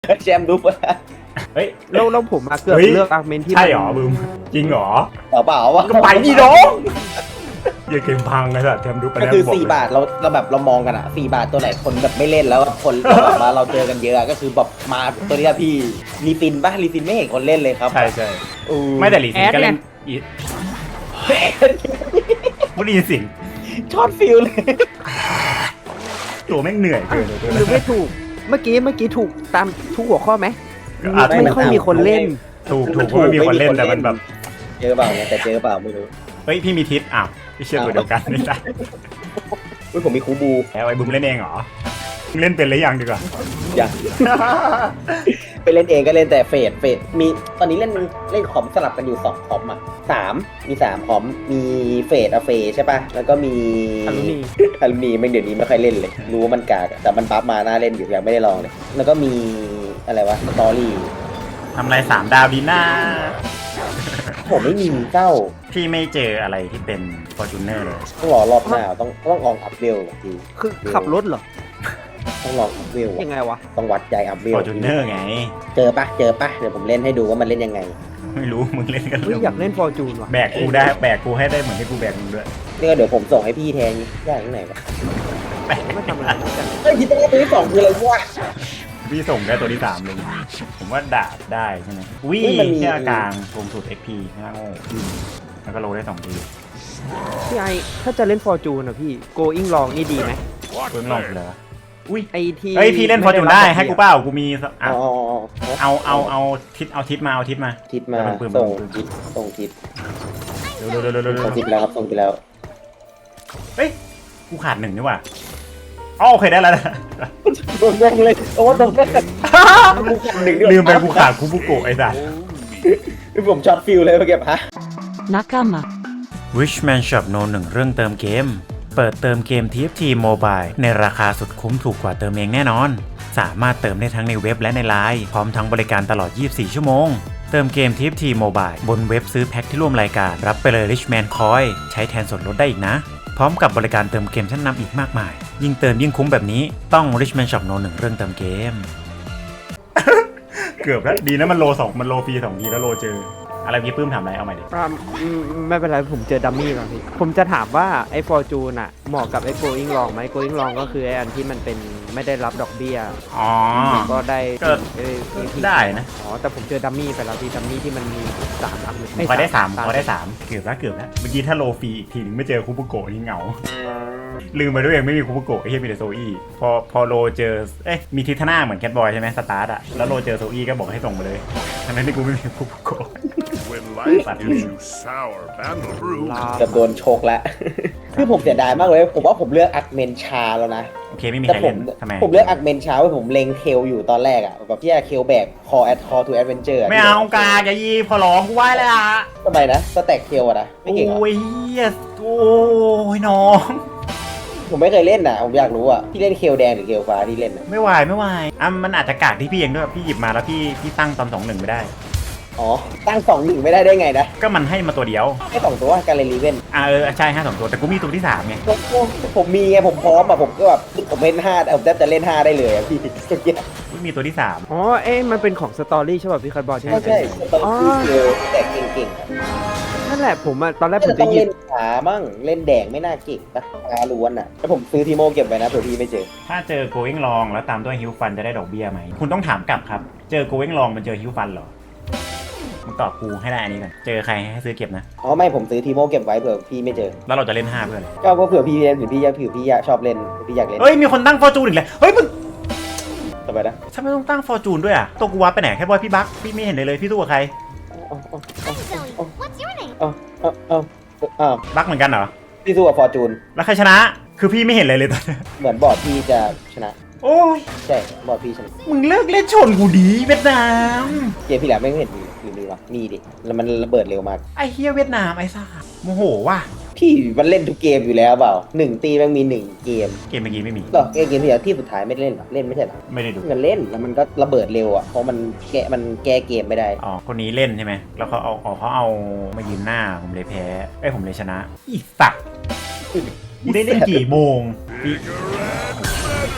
แชมป์รูปอะเฮ้ยแล้วผมเกือบเลือกอาร์เมนที่ใช่หรอบึมจริงหรอเปล่าวะก็ไปดิน้องอย่าเกมพังไงสัตว์แชมป์ดูไปก็แล้วคือบอก 4 บาทเราแบบเรามองกันอะ4 บาทตัวไหนคนแบบไม่เล่นแล้วคนแบบมาเราเจอกันเยอะก็คือแบบมาตัวนี้พี่รีฟินป่ะรีฟินไม่เห็นคนเล่นเลยครับใช่ใช่ไม่แต่ลีซินก็เล่นไม่ได้ยินเสียงช็อตฟิลเลยตัวแม่งเหนื่อยเกินหรือไม่ถูกเมื่อกี้ถูกตามทุกหัวข้อไหมอาจจะไม่ค่อยมีคนเล่นถูกเพราะไม่มีคนเล่นแต่มันแบบเจอเปล่าเนี่ยแต่เจอเปล่าไม่รู้เฮ้ยพี่มีทิศอ้าวพี่เชื่อตัวเดียวกันนี่จ้ะอุ้ยผมมีคูบูแล้วไอ้บึมเล่นเองเหรอมึงเล่นเป็นหรือยังดีกว่าอย่า ไปเล่นเองก็เล่นแต่เฟดมีตอนนี้เล่นคอมสลับกันอยู่2คอมอ่ะมี3คอมมีเฟดอะเฟใช่ป่ะแล้วก็มีอลูมิอลูมิไม่เดี๋ยวนี้ไม่ค่อยเล่นเลย รู้ว่ามันกากอะแต่มันบัฟมาน่าเล่นอยู่ยังไม่ได้ลองเลย แล้วก็มีอะไรวะสตอรี่ทำไร3 ดาวดีน่าผมไม่มีเจ้าพี่ไม่เจออะไรที่เป็นฟอร์จูเนอร์เลยต้องรอรอบหน้าต้องลองอัพเวลทีคือขับรถเหรอต้องลองอัพเวลยังไงวะต้องวัดใจอัพเวลฟอร์จูเนอร์ไงเจอปะเดี๋ยวผมเล่นให้ดูว่ามันเล่นยังไงไม่รู้มึงเล่นกันเฮ้ยอยากเล่นฟอร์จูนว่ะแบกกูได้แบกกูให้ได้เหมือนที่กูแบกมึงด้วยนี่ก็เดี๋ยวผมส่งให้พี่แทนยากที่ไหนวะแบกไม่ทำอะไรกันเฮ้ยพี่ตัวที่2คืออะไรวะพี่ส่งได้ตัวที่3เลยผมว่าดาบได้ใช่ไหมวิ่เฮ้ยมันมีแค่กลางรวมสุด XP ห้าโง่แล้วก็โลได้2 ทีพี่ไอถ้าจะเล่นฟอร์จูนอ่ะพี่ going long นี่ดีไหมเพิ่งลองเลยอุ้ยไอที่เฮ้ยพี่เล่นฟอร์จูนได้ให้กูเปล่ากูมีอ่ะอ๋อเอาทิศมาทิศมาแล้วนปืนส่งทิศเร็วๆส่งทิศแล้วครับส่งทิศแล้วเฮ้ยกูขาด1นี่หว่าอ๋อโอเคได้แล้วงงเลยโอ้ตรงนั้นกูขาด1ด้วยลืมไปกูขาดคุบุโกะไอ้สัสผมช็อตฟิลเลยเมื่อกี้ฮะ Nakama Richman Shop No 1เรื่องเติมเกม เปิดเติมเกม TFT Mobile ในราคาสุดคุ้มถูกกว่าเติมเองแน่นอน สามารถเติมได้ทั้งในเว็บและในไลน์พร้อมทั้งบริการตลอด 24 ชั่วโมง เติมเกม TFT Mobile บนเว็บซื้อแพ็คที่ร่วมรายการรับไปเลย Richman Coin ใช้แทนส่วนลดได้อีกนะ พร้อมกับบริการเติมเกมชั้นนำอีกมากมาย ยิ่งเติมยิ่งคุ้มแบบนี้ต้อง Richman Shop No 1เรื่องเติมเกม เกือบแล้วดีนะมันโล2มันโลฟรี2ทีแล้วโลเจออะไรพี่ปื้มถามอะไรเอาใหม่ดิไม่เป็นไรผมเจอดัมมี่ก่อนพี่ ผมจะถามว่าไอ้ฟอร์จูนอ่ะเหมาะกับไอ้ going long ไหม going long ก็คือไอ้อันที่มันเป็นไม่ได้รับดอกเบี้ยอ๋อก็ได้ก็พี่ได้นะอ๋อแต่ผมเจอดัมมี่ไปแล้วพี่ดัมมี่ที่มันมี3อันพอได้3พอได้3เกือบแล้วเมื่อกี้ถ้าโลฟรีอีกทีนึงไม่เจอคุบุโกะนี่เหงา ลืมไปด้วยเองไม่มีคุบุโกะไอ้เหี้ยมีแต่โซอี้พอโลเจอมีทิทนาเหมือนแคทบอยใช่ไหมสตาร์ทอะแล้วโลเจอโซอี้ก็บอกให้ส่งไปเลยทั้งนั้นที่กูไม่มีคุบุโกะ When life gives you sour battle brew, เกือบโดนโชกแล้ว คือผมเสียดายมากเลยผมว่าผมเลือกอักเมนชาแล้วนะโอเคไม่มีแต่ใครผเล่มนทำไมผมเลือกอักเมนชาไว้ผมเล็งเทลอยู่ตอนแรกอ่ะแบบที่จะเคลแบก call to adventure ไม่เอากาอย่ายีพอร้องกูไหว้เลยอะทำไมนะสแต็กเคลอะนะไม่เก่งเหรอโอ้ยเหี้ยโอ้ยน้องผมไม่เคยเล่นอ่ะผมอยากรู้อ่ะที่เล่นเคลแดงหรือเคลฟ้าที่เล่นอ่ะไม่ไหวอ่ะมันอาจจะกากที่พี่เองด้วยพี่หยิบมาแล้วพี่ตั้งตอน2-1ไม่ได้อ๋อตั้ง2-1ไม่ได้ไงนะก็มันให้มาตัวเดียวแค่2ตัวการเล่นรีเวนใช่5 2ตัวแต่กูมีตัวที่3ไงผมมีไงผมพร้อมอ่ะผมก็แบบผมเล่น5ผมแทบจะเล่น5ได้เลยอะพี่เมื่อกี้พี่มีตัวที่3 อ๋อมันเป็นของสตอรี่ใช่ป่ะพี่คัทบอลใช่ไหมใช่ตอนที่เคลแต่เก่งๆอะนั่นแหละผมตอนแรกผมต้จะองหยิเล่บนขาบ้างเล่นแดงไม่น่าเก่งนะขาล้วนอ่ะแล้วผมซื้อทีโมเก็บไว้นะเผื่อพี่ไม่เจอถ้าเจอ going long แล้วตามด้วย hill fun จะได้ดอกเบี้ยไหมคุณต้องถามกลับครับเจอ going long มันเจอ hill fun เหรอมึงตอบกูให้ได้อันนี้ก่อนเจอใครให้ซื้อเก็บนะอ๋อไม่ผมซื้อทีโมเก็บไว้เผื่อพี่ไม่เจอแล้วเราจะเล่น5เพื่อนเลยก็เผื่อพี่เล่นเผื่อพี่อยากชอบเล่นพี่อยากเล่นเฮ้ยมีคนตั้ง fortune อีกแล้วเฮ้ยมึงทำไมนะทำไมต้องตั้ง fortune ด้วยอ่ะตัวกูวัดไปไหนแค่บอยพี่บักพี่ไม่เห็นเลยพี่สู้กับใคร What's your name? อ้าวบักเหมือนกันเหรอพี่สู้กับฟอร์จูนแล้วใครชนะคือพี่ไม่เห็นเลยตอนนี้เหมือนบอร์ดพี่จะชนะโอ้ยใช่บอร์ดพี่ชนะมึงเลิกเล่นชนกูดีเวียดนามเกมพี่แล้วไม่เห็นหรือมีวะมีดิแล้วมันระเบิดเร็วมากไอ้เฮียเวียดนามไอ้ซ่าโมโหว่ะพี่มันเล่นทุกเกมอยู่แล้วเปล่า1 ตีมันมี1 เกมเกมเมื่อกี้ไม่มีหรอเกมที่แล้วที่สุดท้ายไม่ได้เล่นหรอเล่นไม่ใช่หรอไม่ได้ดูมันเล่นแล้วมันก็ระเบิดเร็วอ่ะเพราะมันแก้เกมไม่ได้อ๋อคนนี้เล่นใช่ไหมแล้วเขาเอามายืนหน้าผมเลยแพ้ผมเลยชนะอีสัตว์กูได้เล่นกี่โมงพี่ถ้า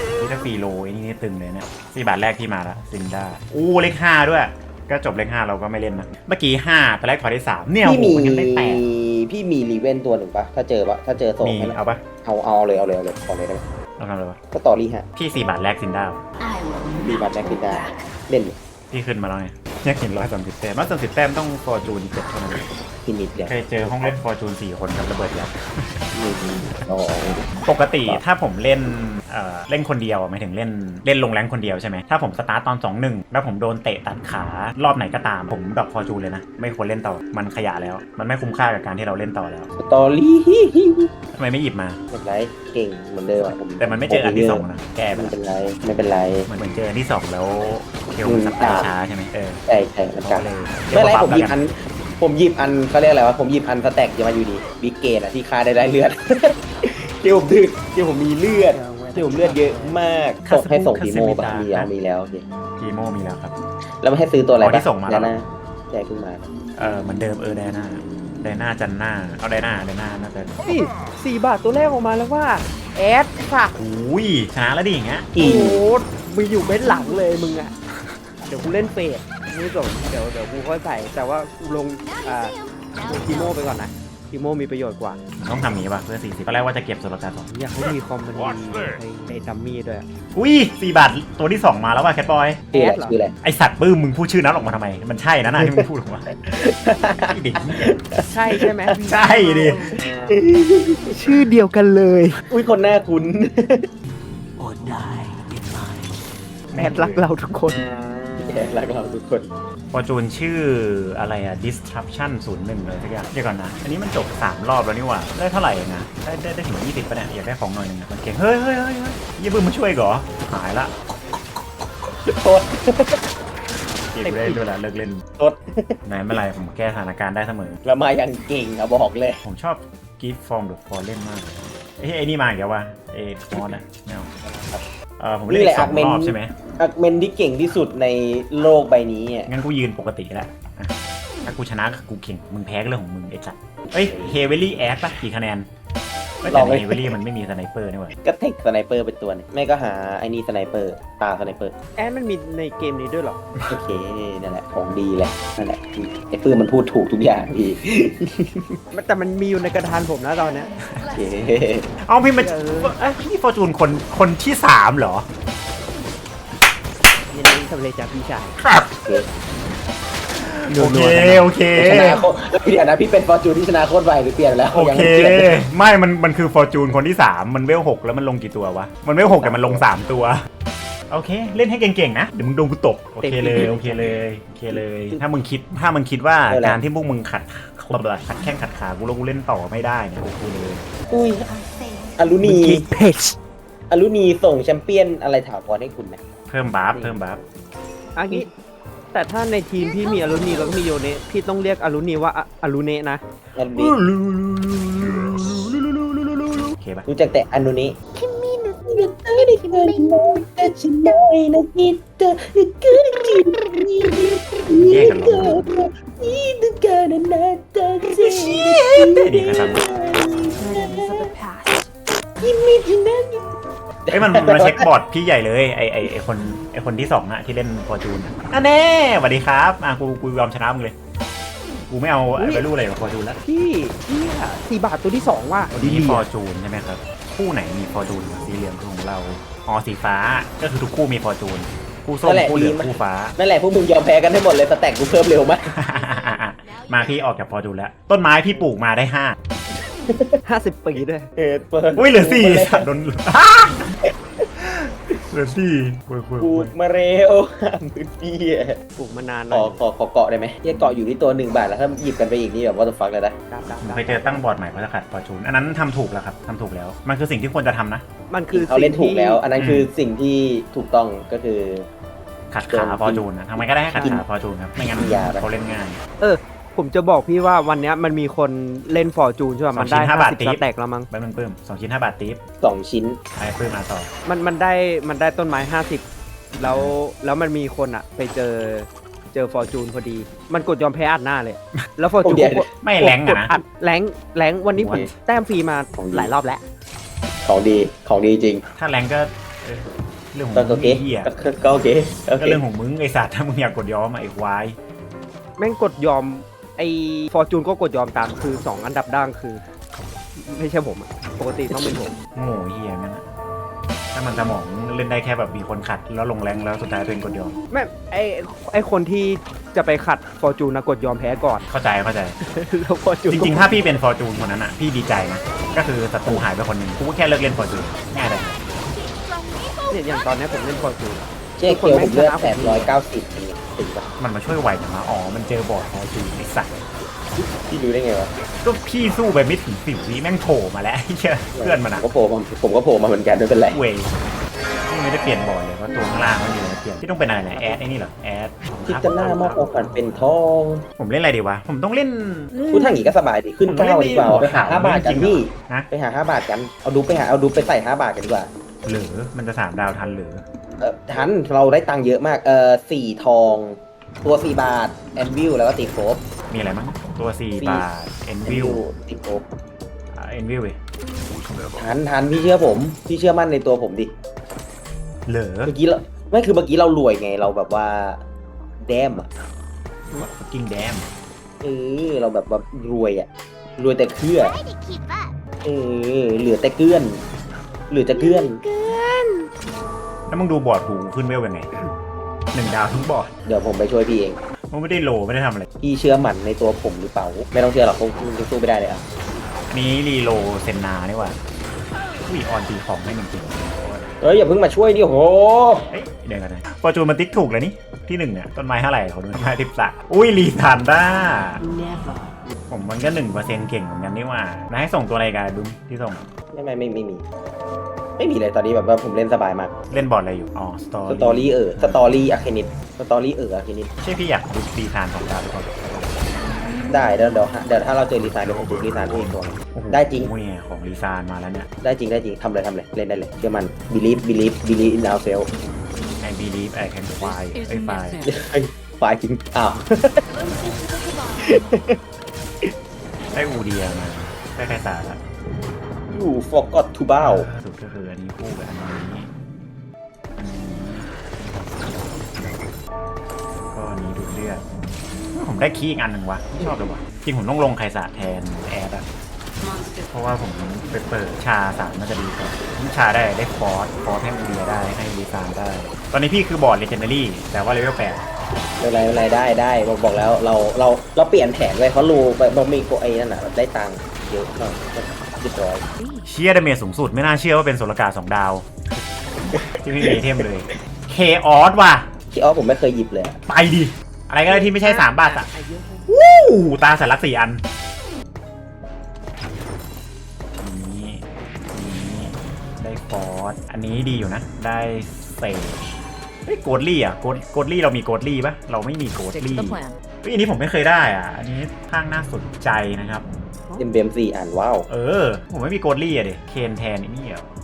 ฟรีโลไอ้นี่ตึงเลยเนี่ย4 บาทแรกที่มาละซินด้าอู้เลข5ด้วยก็จบเลข5เราก็ไม่เล่นนะเมื่อกี้5ตอนแรกถอยได้3เนี่ยพี่โอ้มีโหมันยังได้แตกพี่มีรีเวนตัวหนึ่งปะถ้าเจอส่งมีให้หน่อยเอาปะเอาเลยขอเลยได้ไหมเอาทำอะไรวะก็ตอรี่ฮะพี่4 บาทแรกซินด้าดีบัตแม็กซิด้าเล่นพี่ขึ้นมาแล้วไงอยากเห็น130 แต้ม130 แต้มต้องฟอร์จูน7เท่านั้นพินิดเดียวเคยเจอห้องเล่นฟอร์จูน4 คนกับระเบิดยักษ์อ๋อปกติถ้าผมเล่นเล่นคนเดียวหมายถึงเล่นลงแรงคนเดียวใช่ไหมถ้าผมสตาร์ตตอน 2-1 แล้วผมโดนเตะตัดขารอบไหนก็ตามผมดรอปฟอร์จูนเลยนะไม่ควรเล่นต่อมันขยะแล้วมันไม่คุ้มค่ากับการที่เราเล่นต่อแล้วสตอรี่ทำไมไม่หยิบมาไม่เป็นไรเก่งเหมือนเดิมอะผมแต่มันไม่เจออันที่ 2นะแก้ไปไม่แล้วเป็นไรเหมือนเจออันที่ 2 แล้วเทลมันสตาร์ทช้าใช่ไหมใช่มันก็กันเลยไม่เป็นไรดี๋ยวผมหยิบอันเขาเรียกอะไรวะผมหยิบอันสแต็กจะมาอยู่ดีบิ๊กเกตอะที่ค่าได้เลือด ที่ผมดึกที่ผมมีเลือดที่ผมเลือดเยอะมากส่งทีโมปะมีแล้วโอเคทีโมมีแล้วครับแล้วไม่ให้ซื้อตัวอะไรที่ส่งมาแล้วนะแจกขึ้นมาเหมือนเดิมไดน่าจันหน้าเอาไดน่าน่าจะนี่4 บาทตัวแรกออกมาแล้วว่าแอดค่ะอุ้ยชนะแล้วดิอย่างเงี้ยโอ้โหมึงอยู่เบ็ดหลังเลยมึงอ่ะเดี๋ยวกูเล่นเฟสไม่สนเดี๋ยวกูค่อยใส่แต่ว่ากูลงทีโมไปก่อนนะทีโมมีประโยชน์กว่าต้องทำอย่างนี้ป่ะเพื่อ40ตอนแรกว่าจะเก็บโซลาร์2 อยากให้มีคอมมันดีในดัมมี่ด้วยอะอุ้ย4 บาทตัวที่ 2 มาแล้วว่ะแคทบอยชื่อแออะดไรเหรอชื่ออะไรไอสัตว์ปื้มมึงพูดชื่อนั้นออกมาทำไมมันใช่นะที่มึงพูดออกมาไอ้เด็กนี่ใช่ใช่ไหมใช่ดิชื่อเดียวกันเลยอุ้ยคนหน้าคุ้นแอดรักเราทุกคนรักเราทุกคนฟอร์จูนชื่ออะไรอะ disruption 01เลยสักอย่างเดี๋ยวก่อนนะอันนี้มันจบ3 รอบแล้วนี่หว่าได้เท่าไหร่นะได้ถึง20ป่ะเนี่ยอยากได้ของหน่อยนึงนะมันเก่งเฮ้ยยี่บึ้มมาช่วยเหรอหายละโทษเกมกูได้ด้วยละเลิกเล่นโทษไหนไม่เป็นไรผมแก้สถานการณ์ได้เสมอแล้วมาอย่างเก่งอะบอกเลยผมชอบ Gift from the Fallen มากเลยไอ้นี่มาอีกแล้ววะมอสนะไม่เอาผมเล่นอีก2 รอบใช่ไหมอักเมนที่เก่งที่สุดในโลกใบนี้อ่ะงั้นกูยืนปกติแล้วอ่ะถ้ากูชนะก็กูเก่งมึงแพ้ก็เรื่องของมึงไอ้จัดเอ้ยเฮเวลี่แอดป่ะกี่คะแนนแต่ในเฮเวลี่มันไม่มีสไนเปอร์นี่หว่าก็เทคสไนเปอร์เป็นตัวนึงไม่ก็หาไอ้นี่สไนเปอร์ตาสไนเปอร์แอดมันมีในเกมนี้ด้วยเหรอโอเคนั่นแหละของดีแหละนั่นแหละไอ้ปื้มมันพูดถูกทุกอย่างพี่แต่มันมีอยู่ในกระดานผมนะตอนเนี้ยโอเคเอาพี่มันนี่ฟอร์จูนคนที่ 3 เหรอยินดีสำเร็จจากพี่ชายครับโอเคโอเคชนะโคเดี๋ยวนะพี่เป็นฟอร์จูนที่ชนะโคตรไวหรือเปลี่ยนแล้วโอยังเคไม่เปลี่ยนไม่มันคือฟอร์จูนคนที่ 3 มันเวล 6 แล้วมันลงกี่ตัววะมันเวล 6แต่มันลง3 ตัวโอเคเล่นให้เก่งๆนะเดี๋ยวมึงโดนกูตบโอเคเลยถ้ามึงคิดว่าการที่พวกมึงขัดแข้งขัดขากูแล้วกูเล่นต่อไม่ได้เนี่ยโอเคเลยอุ้ยอลูนีเพจอลูนีส่งแชมเปี้ยนอะไรถาวรให้คุณนะเพิ่มบัฟอันนี้แต่ถ้าในทีมพี่มีอารุณีแล้วก็มีโยเนะพี่ต้องเรียกอารุณีว่าอารุเนะนะอลูนีโอเคปะรู้จักแต่อนุนี้แยกกันหรอดีครับไอ้มันเช็คบอร์ดพี่ใหญ่เลยไอคนที่2อะที่เล่นฟอร์จูนอ่ะแน่สวัสดีครับกูยอมชนะมึงเลยกูไม่เอาไปรู้อะไรกับฟอร์จูนแล้วพี่4 บาทตัวที่ 2 ว่าวันนี้ฟอร์จูนใช่ไหมครับคู่ไหนมีฟอร์จูนสีเหลืองคือของเราสีฟ้าก็คือทุกคู่มีฟอร์จูนคู่ส้มคู่เหลืองคู่ฟ้านั่นแหละพวกมึงยอมแพ้กันให้หมดเลยสแต็กกูเพิ่มเร็วมากมาพี่ออกจากฟอร์จูนแล้วต้นไม้พี่ปลูกมาได้ 50 ปีด้วยเปิดอุ้ยเหลือ4สัตว์โดนเหลือ4คุยปลูกมาเร็วมือดีอ่ะปลูกมานานหขน่ออยเกาะได้ไหมเกาะอยู่ที่ตัว1 บาทแล้วถ้าหยิบกันไปอีกนี่แบบว่าจะฟักเลยนะเคยเจอตั้งบอร์ดใหม่เพราะจะขัดฟอร์จูนอันนั้นทำถูกแล้วครับทำถูกแล้วมันคือสิ่งที่ควรจะทำนะมันคือเขาเล่นถูกแล้ว อันนั้นคือสิ่งที่ถูกต้องก็คือขัดขาฟอร์จูนนะทำไมก็ได้ให้ขัดขาฟอร์จูนครับไม่งั้นเขาเล่นง่ายผมจะบอกพี่ว่าวันนี้มันมีคนเล่นฟอร์จูนใช่ป่ะมันได้ 2 ชิ้น 5 บาท 50 ติ๊สบแต็กแล้วมั้งใบมันเพิ่ม2 ชิ้น 5 บาทติ๊บ 2 ชิ้นไอ้เพิ่มมาต่อมันได้ต้นไม้50แล้วมันมีคนอะไปเจอฟอร์จูนพอดี มันกดยอมแพ้อัดหน้าเลย แล้วฟอร์จูนไม่แรงอะนะแรงวันนี้ผมแต้มฟรีมาหลายรอบแล้วของดีจริงถ้าแรงก็เรื่องของก็มึโอง เคไอ้เหี้ยก็โอเคโอก็เคเรื่องของมึงไอ้สัตว์ถ้ามึงอยากกดย้อมอะไอ้ควายแม่งกดยอมไอ้ฟอร์จูนก็กดยอมตามคือ 2 อันดับด่างคือ ไม่ใช่ผมอะปกติต้องเป็นผมโง่เหี้ยนั่นอะถ้ามันสมองเล่นได้แค่แบบมีคนขัดแล้วลงแรงแล้วสุดท้ายตัวเองกดยอมแม่ไอ้คนที่จะไปขัดฟอร์จูนนะกดยอมแพ้ก่อนเข้าใจแล้วฟอร์จูนจริงๆ ถ้าพี่เป็นฟอร์จูนคนนั้นอ่ะพี่ดีใจนะก็คือศัตรูหายไปคนหนึ่งกูก็แค่เลิกเล่นฟอร์จูนง่ายเลยเนี่ยอย่างตอนเนี้ยผมเล่นฟอร์จูนเจ๊เกียวผมเลือด890อย่างเงี้ยถึงปะมันมาช่วยไวจังวะอ๋อมันเจอบอร์ดฟอร์จูนไอ้สัตว์พี่รู้ได้ไงวะก็พี่สู้ไปไม่ถึง10 วิแม่งโผล่มาแล้วไอ้เหี้ยเพื่อนมันอะผมก็โผล่มาเหมือนกันไม่เป็นไรเวยพี่ไม่ได้เปลี่ยนบอร์ดเลยเพราะตัวข้างล่างมันมีอะไรเปลี่ยนพี่ต้องเป็นอะไรนะแอดไอ้นี่เหรอแอดที่จะหน้ามอบของขวัญเป็นทองผมเล่นอะไรดีวะผมต้องเล่นพูดทางนี้ก็สบายดีขึ้นผมต้องเล่น 9ดีกว่าไปหาขาว 5 บาทกันพี่นะไปหา5 บาทกันเอาดูไปใส่5 บาทกันดีกว่าหรือมันจะ3 ดาวทันหรือทันเราได้ตังค์เยอะมาก4 ทองตัว4 บาทแอนวิลแล้วก็ติดโฟบมีอะไรมั้งตัว4 บาทเอ็นวิวติดโฟบเอ็นวิวเว้ยทันพี่เชื่อผมพี่เชื่อมั่นในตัวผมดิเหลือเมื่อกี้เราไม่คือเมื่อกี้เรารวยไงเราแบบว่าแดมอ่ะกิ้งแดมเราแบบว่ารวยอ่ะรวยแต่เครือ Try to keep up. เหลือแต่เกลื้อนเหลือจะเกลื้อนแล้วมึงดูบอร์ดหูขึ้นเวลยังไง1 ดาวทั้งบอร์ดเดี๋ยวผมไปช่วยพี่เองมันไม่ได้โลไม่ได้ทำอะไรพี่เชื่อมั่นในตัวผมหรือเปล่าไม่ต้องเชื่อหรอกผมสู้ไม่ได้เลยอ่ะอันนี้รีโลเซนนานี่หว่าอุ้ยออนตีของให้1 ทีเฮ้ยอย่าเพิ่งมาช่วยดิโหเฮ้ยเดี๋ยวกันนะฟอร์จูนมันติ๊กถูกเลยนี่ที่1เนี่ยต้นไม้เท่าไหร่เขาดูต้นไม้13อุ้ยรีทานด้าผมมันก็1%เก่งเหมือนกันนี่หว่าแล้วให้ส่งตัวอะไรกันดุมที่ส่งไม่มีไม่มีเลยตอนนี้แบบว่าผมเล่นสบายมากเล่นบอร์ดอะไรอยู่อ๋อสตอสตอรี่สตอรี่อะเคนิตสตอรี่อะเคนิตใช่พี่อยากดูรีทานของดาวทุกคนได้เดี๋ยวถ้าเราเจอรีซานเดี๋ยวผมดูรีซานที่อีกตัวโอ้โหได้จริงเนี่ยของรีซานมาแล้วเนี่ยได้จริงทำเลยเล่นได้เลยเชื่อมัน believe in ourselves I believe I can fly ไอ้ไฟฝ่ายจริงอ้าวได้อูเดียมาได้ใครสาระ you forgot to bow สุดก็คืออันนี้คู่กับอันนี้ก็อันนี้ดูดเลือดผมได้คีย์อีกอันหนึ่งวะไม่ชอบเลยวะจริงผมต้องลงไคสะแทนแอดอะเพราะว่าผมไปเปิดชา3น่าจะดีกว่าชาได้ฟอสให้อูเดียได้ให้ดีซานได้ ตอนนี้พี่คือบอร์ดเลเจนดารี่แต่ว่าเลเวล8 ไม่เป็นไรได้บอกแล้วเราเปลี่ยนแผนไว้เพราะรูไปบอกมีโกไอ้นั่นน่ะได้ตังค์เยอะมากเรียบร้อยเชียร์ดาเมจสูงสุดไม่น่าเชื่อว่าเป็นโซลกา2 ดาว ที่ไม่มีไอเทมเลยเคออสว่ะที่อ๋อผมไม่เคยหยิบเลยอะไปดิ อะไรก็ได้ที่ไม่ใช่3 บาทอะวู้ตาสัญลักษณ์4 อันนี้ได้ฟอสอันนี้ดีอยู่นะ ได้เซจเฮ้ยโกดลี่อะโกดลี่เรามีโกดลี่ปะเราไม่มีโกด Stick to ลี่ the plan. เฮ้ยอันนี้ผมไม่เคยได้อ่ะ อันนี้ข้างน่าสนใจนะครับเอ็มเบม4อ่านว้าวผมไม่มีโกดลี่อะเด็เคนแทนไอ้นี่เหรอ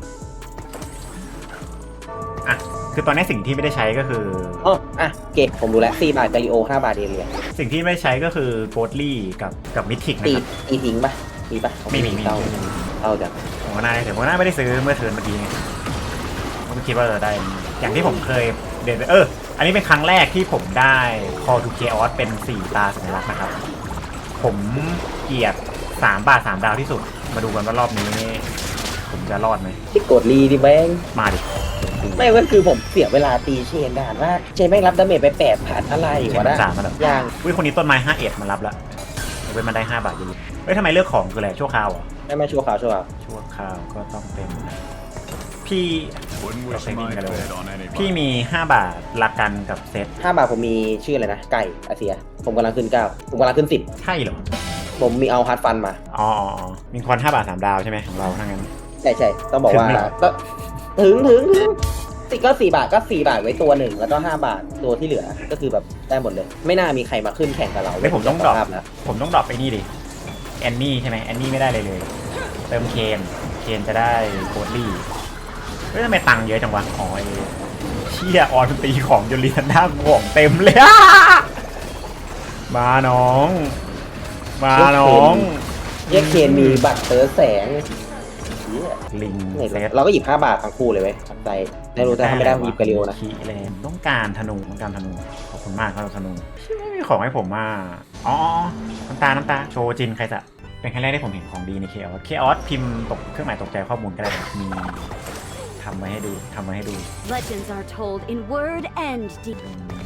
อ่ะคือตอนนี้สิ่งที่ไม่ได้ใช้ก็คืออ๋ออ่ะเก็บผมดูแล้ว4 บาทกาลิโอ5 บาทเรียสิ่งที่ไม่ได้ใช้ก็คือโกดลี่กับมิทิกนะตีครับทิ้งปะมีปะไม่มีเต้าจังผมก็น่าได้แต่ผมก็น่าไม่ได้ซื้อเมื่อเทิร์นเมื่อกี้ไงผมก็คิดว่าจะได้อย่างที่ผมเคยเดินอันนี้เป็นครั้งแรกที่ผมได้ Call to Chaos เป็น4 ตาสัญลักษณ์นะครับ ผมเกลียด3 บาท 3 ดาวที่สุด มาดูกันว่ารอบนี้ ผมจะรอดไหมที่กดรีดิแบงมาดิไม่ก็คือผมเสียเวลาตีเชนด่านว่าเชนแม่งรับดาเมจไป8,000อะไรเชวะนนะ 3มาแล้วอย่างอุ้ยคนนี้ต้นไม้5 เอ็ดมารับแล้วเว้นมันได้5 บาทเยอะๆเฮ้ยทำไมเลือกของคืออะไรชั่วคราวเหรอไม่ชั่วคราวชั่วคราวก็ต้องเป็นพี่ Wouldn't wish Okay, my maybe I fate on พี่ anybody. มี5 บาทละกันกับเซต 5 บาทผมมีชื่ออะไรนะไก่อาเซียผมกำลังขึ้น9ผมกำลังขึ้นใช่เหรอ 10ผมมีเอาฮาร์ดฟันมาอ๋อมีคอน5 บาท 3 ดาวใช่ไหมของเราทั้างนั้นใช่ต้องบอกว่าถึงไหมก็ถึงติก็4 บาทก็4 บาทไว้ตัวหนึ่งแล้วก็5 บาทตัวที่เหลือก็คือแบบได้หมดเลย ไม่น่ามีใครมาขึ้นแข่งกับเราไม่ผมต้องดรอปภาพนะผมต้องดรอปไอ้นี่ดิแอนนี่ใช่ไหมแอนนี่ไม่ได้เลยเติมเคนจะได้โคดลี่เฮ้ยทำไมตังค์เยอะจังวะอ๋อไอ้เชี่ยออนตีของจนลีทันด้าของเต็มเลยอะมาน้องแยกเคนมีบัตรเตอแสงเหี้ยลิงเนี่ยเซตเราก็หยิบ5 บาททั้งคู่เลยเว้ยใจไม่รู้แต่ถ้าไม่ได้ผมหยิบกระเรียวนะคีแลนต้องการธนูขอบคุณมากครับธนูไม่มีของให้ผมมาอ๋อน้ำตาโชว์จินใครจะเป็นครั้งแรกที่ผมเห็นของดีในเคออสพิมพ์ตกเครื่องหมายตกใจข้อมูลก็ได้ครับมีทำไว้ให้ดู Legends are told in word and deed.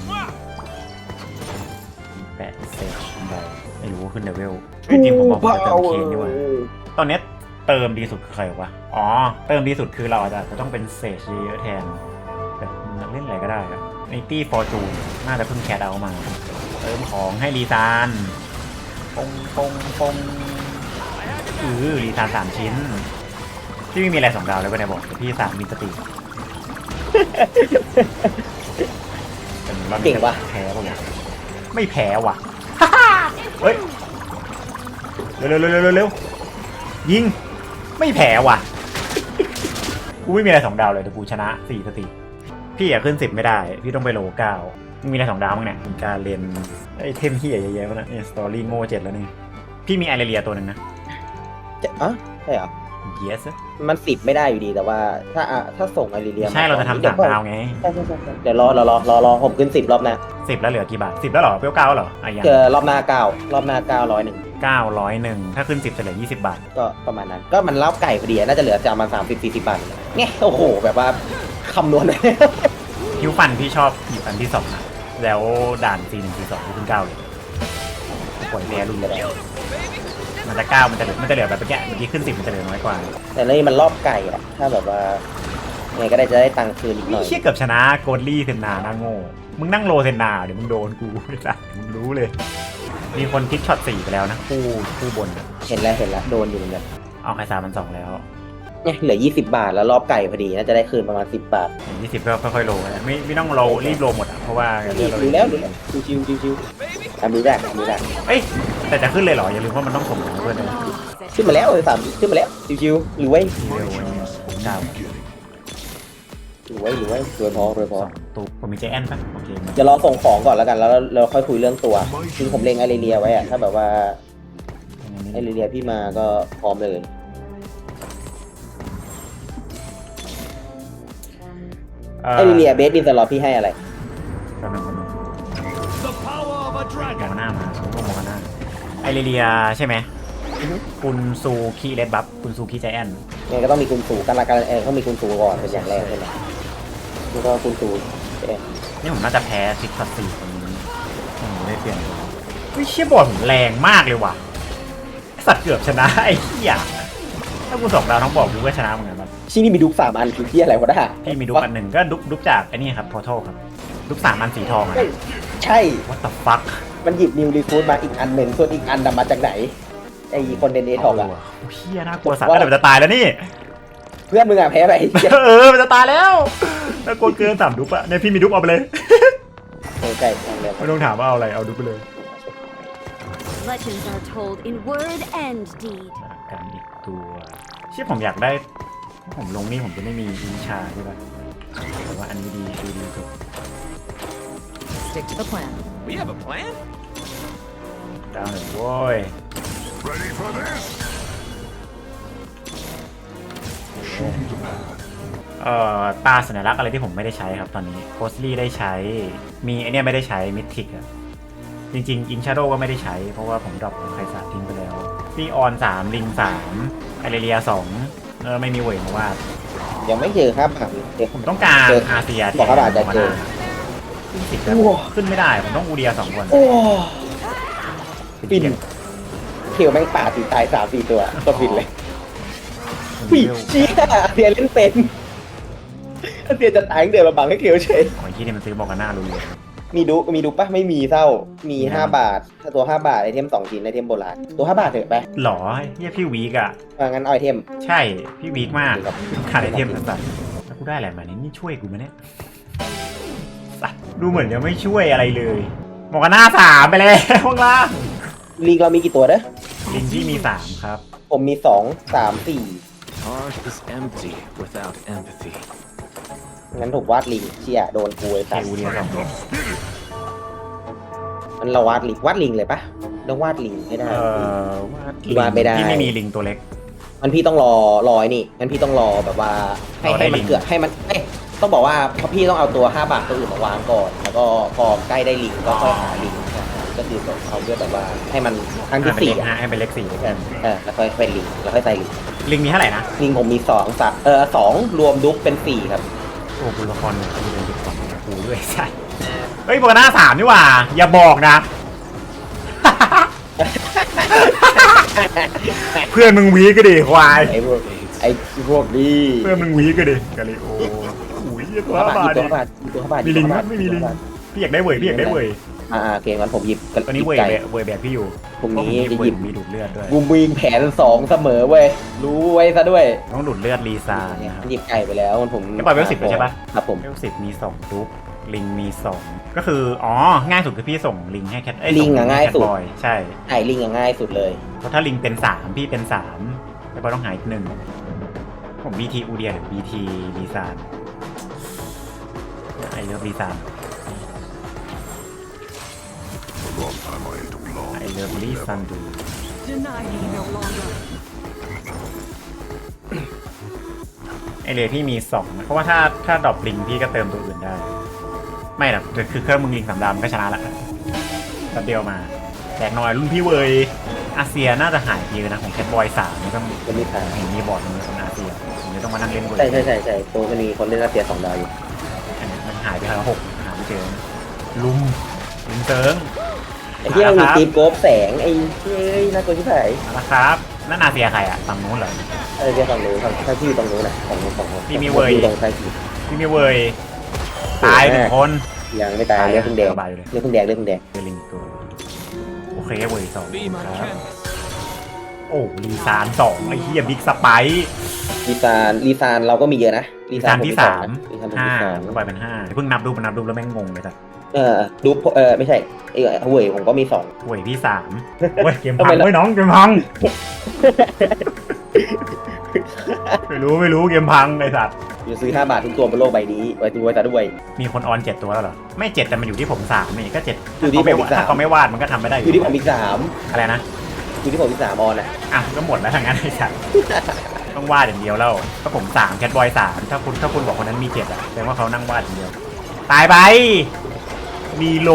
แปะเซตอะไรไม่รู้ว่าขึ้นเลเวลจริงๆผมบอกผมจะเติมเคนดีกว่าตอนนี้เติมดีสุดคือใครวะอ๋อเติมดีสุดคือเราอาจจะต้องเป็นเซจเยอะๆแทนแต่เล่นอะไรก็ได้ครับในตี้ฟอร์จูนน่าจะเพิ่งแคทเอามาเติมของให้รีซานปงรีซาน3 ชิ้นพี่ไม่มีอะไร2 ดาวเลยก็ได้บอกแต่พี่3มีสติเก่งปะแพ้ปะเนี่ยไม่แพ้ว่ะ เฮ้ยเร็วยิงไม่แพ้ว่ะกูไม่มีอะไร2 ดาวเลยแต่กูชนะ4 สติพี่อยากขึ้น10ไม่ได้พี่ต้องไปโล9มึงมีอะไร2 ดาวมั้งเนี่ยมีการเรียนไอเทมเฮียเยอะแยะนะเนี่ยสตอรี่โง่7แล้วนี่พี่มีไอเรียตัวหนึ่งนะอ๋อใช่เหรอ yes มัน10ไม่ได้อยู่ดีแต่ว่าถ้าส่งไอริเลียใช่เราจะทำ3 ดาวไงใช่เดี๋ยวรอผมขึ้น10รอบหน้า 10แล้วเหลือกี่บาท10แล้วเหรอเปรี้ยว9เหรออ่ะยังเจอรอบหน้า9รอบหน้า901 901ถ้าขึ้น10จะเหลือ20 บาทก็ประมาณนั้นก็มันเล้าไก่พอดีน่าจะเหลือจะประมาณ30-40 บาทไงโอ้โหแบบว่าคำนวณฮิวฟันพี่ชอบหยิบอันที่2นะแล้วด่าน4-1-4-2ที่ขึ้น9เลยปล่อยแพ้รุ่นเลยมันจะ9มันจะเหลือแบบเมื่อกี้ขึ้น10มันจะเหลือน้อยกว่าแต่นี่มันรอบไก่อะถ้าแบบว่าไงก็ได้จะได้ตังค์คืนอีกหน่อยเชี่ยเกือบชนะโกลลี่เซนนาหน้าโง่มึงนั่งโลเซนนาเดี๋ยวมึงโดนกูไอ้สัสมึงรู้เลยมีคนคิดช็อต4ไปแล้วนะคู่บนอะเห็นแล้วโดนอยู่เหมือนกันเอาไคซามัน2แล้วเนี่ยเหลือ20 บาทแล้วรอบไก่พอดีน่าจะได้คืนประมาณ10 บาทอย่าง20ก็ค่อยๆโลนะไม่ต้องโลรีบโลหมดอ่ะเพราะว่าดูแล้วชิวทำดูได้เอ้ยแต่จะขึ้นเลยเหรออย่าลืมว่ามันต้องส่งของเพื่อนนะขึ้นมาแล้วเลย3ขึ้นมาแล้วชิวหรือไว้เร็ววันนี้ผมดาวหรือไว้รวยพอตัวผมมีใจแอนปะโอเคเดี๋ยวรอส่งของก่อนแล้วกันแล้วเราค่อยคุยเรื่องตัวคือผมเล็งไอริเลียไว้อะถ้าแบบว่าไอริเลียพี่มาก็พร้อมเลยไอริเลียเบสดินสล็อตพี่ให้อะไรกำลัง The power of a มอง dragon. หน้ามาผมก็มองหน้าไอเรียใช่ไหมกุนซูคีเลดบัฟกุนซูคีใจแอนไงก็ต้องมีคุณสูการต้องมีคุณสูก่อนเป็นอย่างแรกใช่ไหมแล้วก็คุณสูนี่ผมน่าจะแพ้ซิกซัสซีคนนี้ผมได้เปลี่ยนวิเชียบอลผมแรงมากเลยว่ะสัตว์เกือบชนะไอ้เหี้ยถ้ากู2 ดาวทั้งบอกกูก็ชนะเหมือนกันครับที่นี่มีดุก3 อันคือที่อะไรวะด่าพี่มีดุกอันหนึ่งก็ดุกจากไอ้นี่ครับพอร์ทัลครับดุก3 อันสีทองอะใช่ what the fuck มันหยิบนิวรีฟูดมาอีกอันหนึ่งส่วนอีกอันนำมาจากไหนไอ้คนเดนเอทอกอะเฮียน่ากลัวสัตว์แต่มันจะตายแล้วนี่เพื่อนมึงอะแพ้ไปมันจะตายแล้วน่ากลัวเกิน3 ดุกอะเนี่ยพี่มีดุกเอาไปเลยใกล้ทางเร็วไม่ต้องถามว่าเอาอะไรเอาดุกไปเลย Legends are told in word and deed. กันอีกตัวเชื่อผมอยากได้ผมลงนี่ผมจะไม่มีอินชาใช่ปะแต่ว่าอันนี้ดีสุด Stick to the plan. We have a plan? ดาวหนึ่งโว้ย Ready for this? ตาสัญลักษณ์อะไรที่ผมไม่ได้ใช้ครับตอนนี้โพสลี่ได้ใช้มีไอเนี้ยไม่ได้ใช้มิททิกอะจริงๆอินชาโดก็ไม่ได้ใช้เพราะว่าผมดรอปไคซาทิ้งไปแล้วพี่ออน3ลิง3ไอเรีย2ไม่มีเวทมาวาดยังไม่เจอครับผักเด็กผมต้องการอาเซียบอกว่าอาจจะเจอขึ้น10แล้วขึ้นไม่ได้ผมต้องอูเดีย2 คนโอ้ฟินเขียวแม่งป่าตีตาย3-4 ตัวก็ฟินเลยปีเชี่ยเสียเล่นเป็นเสียจะตายเดือดมาบังให้เขียวเฉยโอ้ยที่นี่มันซื้อบอกกันหน้ารู้เลยมีดูปะไม่มีเศร้ามี5 บาทถ้าตัว5 บาทไอเทม2 ชิ้นไอเทมโบราณตัว5 บาทเถอะไปหรอเฮียพี่วีกอะงั้นเอาไอเทมใช่พี่วีกมากขาดไอเทมสัสๆแล้วกูได้อะไรมาเนี่ยนี่ช่วยกูไหมเนี่ยสัสดูเหมือนจะไม่ช่วยอะไรเลยบอกกันหน้า3ไปแล้วข้างล่างลิงเรามีกี่ตัวเด้อลิงที่มี3ครับผมมี2 3 Heart is empty without empathy. 4งั้นถูกวาดลิงเชี่ยโดนกูไอ้เคสัสอูเดีย2 มันเราวาดลิงเลยปะต้องวาดลิงให้ได้วาดลิงวาดไม่ได้ที่ไม่มีลิงตัวเล็กมันพี่ต้องรอไอ้นี่งั้นพี่ต้องรอแบบว่าให้มันเกิดให้มันต้องบอกว่าเพราะพี่ต้องเอาตัว5 บาทตัวอื่นมาวางก่อน แล้วก็พอใกล้ได้ลิงก็ค่อยหาลิงก็คือเอาเพื่อแบบว่าให้มันครั้งที่4 ให้เป็นเลข4ด้วยกันแล้วค่อยเป็นลิงแล้วค่อยใส่ลิงลิงมีเท่าไหร่นะลิงผมมี2รวมดุ๊กเป็น4ครับโอ้คุณละครเนี่ยคุณเรียนดิบของกูด้วยใช่เฮ้ยโบกหน้า3นี่หว่าอย่าบอกนะ เพื่อนมึงวีก็ดิควายไอ้พวกนี้เพื่อนมึงวีก็ดิกะลิโออุ้ยตัว5 บาทตัว5 บาทตัว5 บาทมีลิงไหมไม่มีลิงพี่อยากได้เว่ยพี่อยากได้เว่ยโอเคงั้นผมหยิบตอนนี้เว่ยไก่เว่ยแบบพี่อยู่พรุ่งนี้เพราะผมจะหยิบมีดูดเลือดด้วยบูมวิงแผน2เสมอเว้ยรู้ไว้ซะด้วยต้องดูดเลือดรีซานะครับหยิบไก่ไปแล้วผมไม่ปล่อยเวล10เลยใช่ปะครับผมเวล10มี2ดุ๊กลิงมี2ก็คืออ๋อง่ายสุดคือพี่ส่งลิงให้แคทลิงอะง่ายสุดบอยใช่ไก่ลิงอะง่ายสุดเลยเพราะถ้าลิงเป็น3พี่เป็น3แล้วบอยต้องหายอีก1ผม BT อูเดียหรือ BT รีซานไอเลิฟรีซาน A long time I ain't belong. ไอเลิฟรีซานดู Deny me no longer. ไอเลพี่มี2นะเพราะว่าถ้าดรอปลิงพี่ก็เติมตัวอื่นได้ ไม่หรอกคือเครื่องมึงลิง3 ดาวมันก็ชนะละแป๊บเดียวมาแจกหน่อยรุ่นพี่เวยอาเซียน่าจะหายไปเลยนะของแคทบอย3นี่ต้องจะมีทางเห็นมีบอร์ดมันคนอาเซียผมจะต้องมานั่งเล่นเวยใช่ตัวมันมีคนเล่นรัสเซีย2 ดาวอยู่อันนี้มันหายไปแล้ว6หาไม่เจอนะลุมเติงไอ้ที่มันมีตีมโกบแสงไอ้เฮ้ยน่ากลัวที่ไหนนะครับนั่นอาเซียใครอะฝั่งนู้นเหรอเดี๋ยวฝั่งนู้นถ้าพี่อยู่ตรงนู้นนะฝั่งนู้นพี่มีเว้ยตรงใต้ขีดพี่มีเวยตาย1 คนยังไม่ตายเลือดเพิ่งแดงสบายอยู่เลยเลือดเพิ่งแดงเจอลิงตัวโอเคเวย2 Be my ครับ canvas. โอ้รีซาน2ไอ้เหี้ยบิ๊กสไปร์ลีซานเราก็มีเยอะนะรีซานที่ลีซานผม 3 ที่ 5 2 ก็ไปเป็น5เพิ่งนับดูแล้วแม่งงงเลยสัสดูไม่ใช่เว้ยผมก็มี2 เว้ยพี่3เว้ยเกมพังเว้ยน้องเกมพังไม่รู้เกมพังไอ้สัสอยู่ซื้อ5 บาททุกตัวบนโลกใบนี้ไว้ตัวซะด้วยมีคนออน7 ตัวแล้วเหรอไม่7แต่มันอยู่ที่ผม3นี่ก็7 อยู่ที่ผมอีกถ้า 3 เขาไม่วาดมันก็ทำไม่ได้อยู่ที่ผมอีกอะไรนะ 3อยู่ที่ผมอีก3ออนอ่ะอ่ะก็หมดแล้วทางนั้นไอ้สัสต้องวาดอย่างเดียวแล้วถ้าผม3แคทบอย3ถ้าคุณบอกคนนั้นมี7อ่ะแสดงว่าเขานั่งวาดอย่างเดียวตายไปดีโล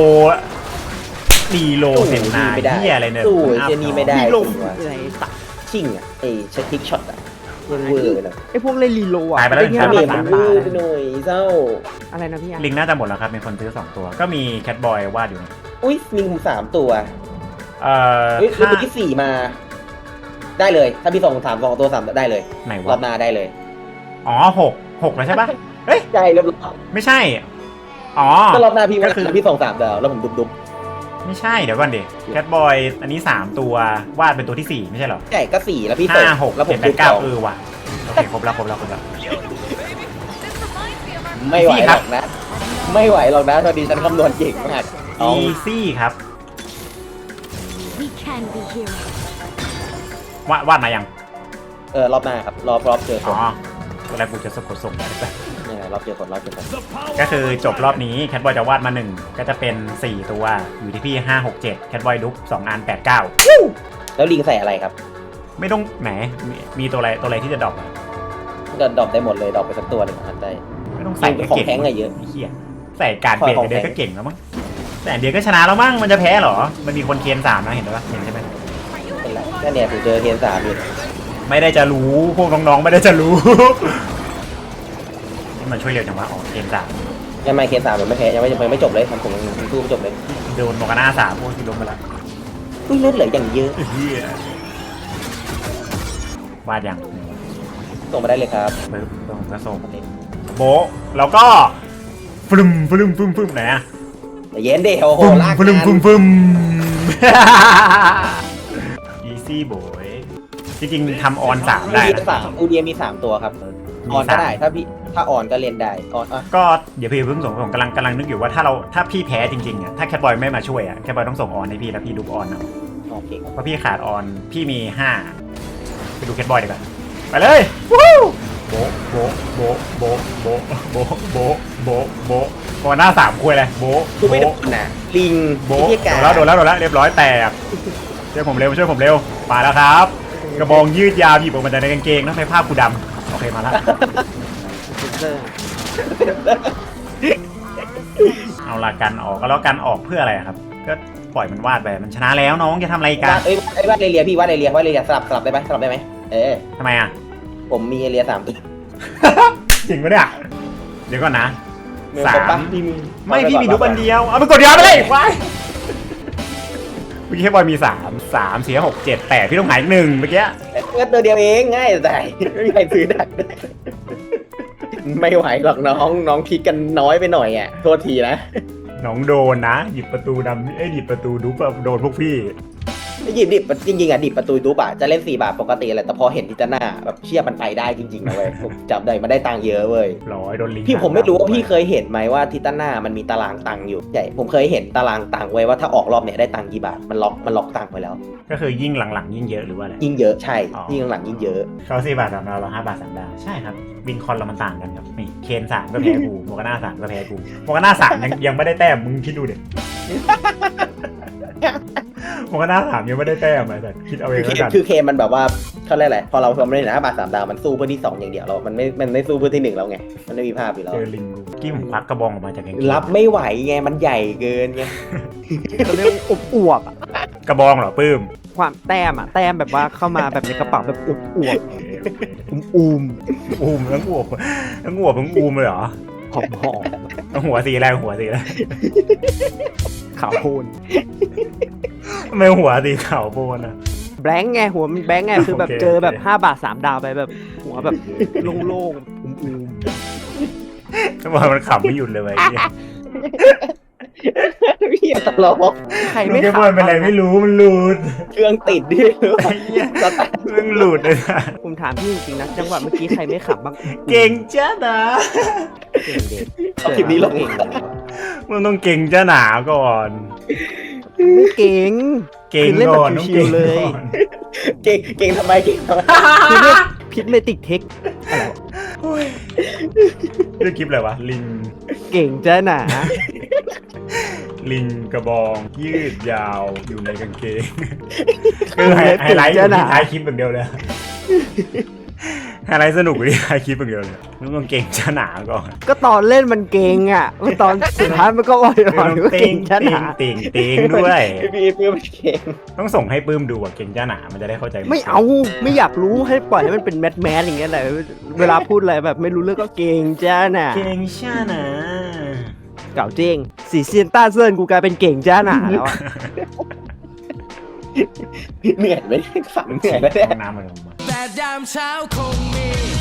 เซ็นนาไม่ได้เหี้ยอะไรเนี่ยสู้เจนี่ไม่ได้รีโหลดตัวอะไรตัดชิ่งอ่ะไอ้เช็คทิกช็อตอ่ะยังเวอร์เลยไอพวกเล่นรีโหลดอ่ะตายไปแล้วด้แค่ถ้าละเมย์มัน 3 เวบาอทร์ไปหน่อยเศร้าอะไรนะพี่อ่ะลิงน่าจะหมดแล้วครับมีคนซื้อ2 ตัวก็มีแคทบอยวาดอยู่นะอุ้ยลิงผม3 ตัวถ้าแล้วตัวที่4มาได้เลย ถ้าพี่ส่ง2 ตัว3ได้เลยไหนรอวะบหน้าได้เลยอ๋อ6แล้วใช่ปะเฮ้ยใช่เรียบร้อยไม่ใช่อ๋อก็รอบหน้าพี่ก็ว่าคือพี่ส่ง3 ดาวแล้วผมดุบไม่ใช่เดี๋ยวก่อนดิแคทบอยอันนี้3 ตัววาดเป็นตัวที่4ไม่ใช่เหรอใช่ก็4แล้วพี่ส่ง 5 6 แล้วผม 7 ดุบ 8 9 2 ว่ะโอเคครบแล้วไม่ไหวหรอกนะ ไม่ไหวหรอกนะตอนนี้ฉันคำนวณเก่งมากเอาอีซี่ครับ We can be heroes. วาดมายังรอบหน้าครับรอบเจอคอ๋อน ตอนแรกกูจะสะกดส่งไปเนี่ยรอบเจอคนก็คือจบรอบนี้แคทบอยจะวาดมา1ก็จะเป็น4 ตัวอยู่ที่พี่5 6 7แคทบอยดุ๊ก2 อัน8 9 แล้วลิงใส่อะไรครับไม่ต้องแหมมีตัวอะไรที่จะดรอปอะก็ดรอปได้หมดเลยดรอปไปสักตัวหนึ่งทันได้ไม่ต้องใส่ก็ของเก่งแท้งอะเยอะไเหี้ยใส่การเปลี่ยนของเดียวแท้งก็เก่งแล้วมั้งแต่เดียวก็ชนะแล้วมั้งมันจะแพ้เหรอมันมีคนเคน3นะเห็นปะเห็นใช่ไหมเป็นไรก็เนี่ยผมเจอเทียน3อยู่ไม่ได้จะรู้พวกน้องๆไม่ได้จะรู้ นี่มันช่วยเร็วจังวะอ๋อเคน3 ยังไม่เทียน3มันไม่แพ้ยังไม่จบเลยผมยังสู้ไม่จบเลยโดนโมกาน่า3พวกที่ล้มไปละอุ้ยเลือดเหลืออย่างเยอะเหี้ย วาดยังส่งมาได้เลยครับปึ๊บผมก็ส่งโบะแล้วก็ฟึมไหนอะเย็นดิโอ้โหลากฟึงานม easy boy จริงๆทำออน3ได้นะอูเดียมี3 ตัวครับออนก็ได้ถ้าออนก็เล่นได้ออนอ่ะก็เดี๋ยวพี่เพิ่งส่งผมกำลังนึกอยู่ว่าถ้าพี่แพ้จริงๆอ่ะถ้าแคทบอยไม่มาช่วยอ่ะแคทบอยต้องส่งออนให้พี่แล้วพี่ดูออนเอาโอเคครับเพราะพี่ขาดออนพี่มี5ไปดูแคทบอยดีกว่าไปเลยวู้โบก่อนหน้า3คุยเลยโบกูไม่โดนนะลิงโบที่กาโดนแล้วเรียบร้อยแตกช่วยผมเร็วมาแล้วครับโกระบองยืดยาวหยิบออกมาจากในกางเกงแล้วไฟผ้ากูดำโอเคมาแล้วเซนเซอร์เอาละกันออกก็แล้วกันออกเพื่ออะไรครับ ก็ปล่อยมันวาดไปมันชนะแล้วน้องจะทำอะไรกันวาดเอเลียพี่วาดเอเลียสลับได้ไหมสลับได้ไหมทำไมอ่ะผมมีเอเลีย3 ตัวจริงปะเนี่ยเดี๋ยวก่อนนะสามไม่พี่มีรูปอันเดียวเอาไปกดเดียวไปเลยว้ายเมื่อกี้ให้บอยมี3 4 6 7 8พี่ต้องหาย1เมื่อกี้ก็ตัวเดียวเองง่ายแต่ไม่มีใครซื้อได้ไม่ไหวหรอกน้องคิดกันน้อยไปหน่อยอ่ะโทษทีนะน้องโดนนะหยิบประตูดำหยิบประตูดูแบบโดนพวกพี่หยิบดิบจริงๆอ่ะดิบประตูดูป่ะจะเล่น4 บาทปกติแหละแต่พอเห็นทิตาน่าแบบเชื่อมันไปได้จริงๆนะเว้ยผมจำได้มันได้ตังค์เยอะเว้ยโดนลิงพี่ผมไม่รู้ว่าพี่เคยเห็นไหมว่าทิตาน่ามันมีตารางตังค์อยู่ใช่ผมเคยเห็นตารางตังค์ไว้ว่าถ้าออกรอบเนี่ยได้ตังค์กี่บาทมันล็อกตังค์ไว้แล้วก็คือยิ่งหลังๆยิ่งเยอะหรือว่าอะไรยิ่งเยอะใช่ยิ่งหลังยิ่งเยอะเขา4 บาท3 ดาวเรา5 บาท 3 ดาวใช่ครับวินคอนเรามันต่างกันครับนี่เคน3ก็แพ้กูโมกาน่า3ก็แพ้กูโมกาน่า3ยังไม่ได้แต้มมึงคิดดูเด็กโมกาน่า3ยังไม่ได้แต้มเลยแต่คิดเอาเองแล้วกันคือเคมันแบบว่าเขาเรียกอะไรพอเราไม่ได้5 บาท 3 ดาวมันสู้เพื่อที่2อย่างเดียวเรามันไม่สู้เพื่อที่1แล้วไงมันไม่มีภาพอยู่แล้วเจอลิงกี้ผมควักกระบองออกมาจากกางเกงรับไม่ไหวไงมันใหญ่เกินไงเขาเรียกอวบๆอะกระบองเหรอปื้มความแต้มแบบว่าเข้ามาแบบในกระเป๋าแบบอวบอูมอูมทั้งอวบทั้งอูมเลยเหรอหอมทั้งหัวสีอะไรหัวสีอะไรขาวโพลนทำไมหัวสีขาวโพลนอ่ะแบงค์ไงหัวมันแบงค์ไงคือแบบโอเคเจอแบบโอเค 5 บาท 3 ดาวไปแบบหัวแบบโล่งๆอูมทำไมมันขำไม่หยุดเลยไอ้เหี้ยพี่ตลกๆใครลูไม่กแก้วขำบอลเป็นอะไรไม่รู้มันหลุดเครื่องติดดิไอ้เหี้ยมันหลุดเลยนะผมถามพี่จริงๆนะจังหวะเมื่อกี้ใครไม่ขำบ้างเก่งจ้าหนาเก่งเด็กเอาคลิปนี้ลงเก่งมันต้องเก่งจ้าหนาก่อนไม่เก่งเก่งคือเล่นก่แบบอนต้องชิเก่วงๆเลยก่อนเก่งทำไมคือเรียกพิษเมติกเทคอะไรวะเรื่องคลิปอะไรวะลิงเก่งจ้าหนาลิงกระบองยืดยาวอยู่ในกางเกงคือไฮไลท์อยู่ที่ท้ายคลิปอย่างเดียวเลยไฮไลท์สนุกอยู่ที่ท้ายคลิปอย่างเดียวเลยต้องเก่งจ้าหนาก่อนก็ตอนเล่นมันเก่งอ่ะตอนสุดท้ายมันก็อ่อนๆว่าเต็เก่งงจ้าหนาเต็งด้วยพี่เพื่อนเก่งต้องส่งให้ปื้มดูอ่ะเก่งจ้าหนามันจะได้เข้าใจไม่เอาไม่อยากรู้ให้ปล่อยให้มันเป็นแมสอย่างเงี้ยแหละเวลาพูดอะไรแบบไม่รู้เรื่องก็เก่งจ้าหนาเก่งจ้าหนาเก่าเจ้งสีเซียนต้าเซินกูกลายเป็นเก่งจ้าหนาแล้วอะเหนื่อยไหมฝันเหนื่อยแล้วเนี่ยน้ำมันลงมาแต่ยามเช้าคงมี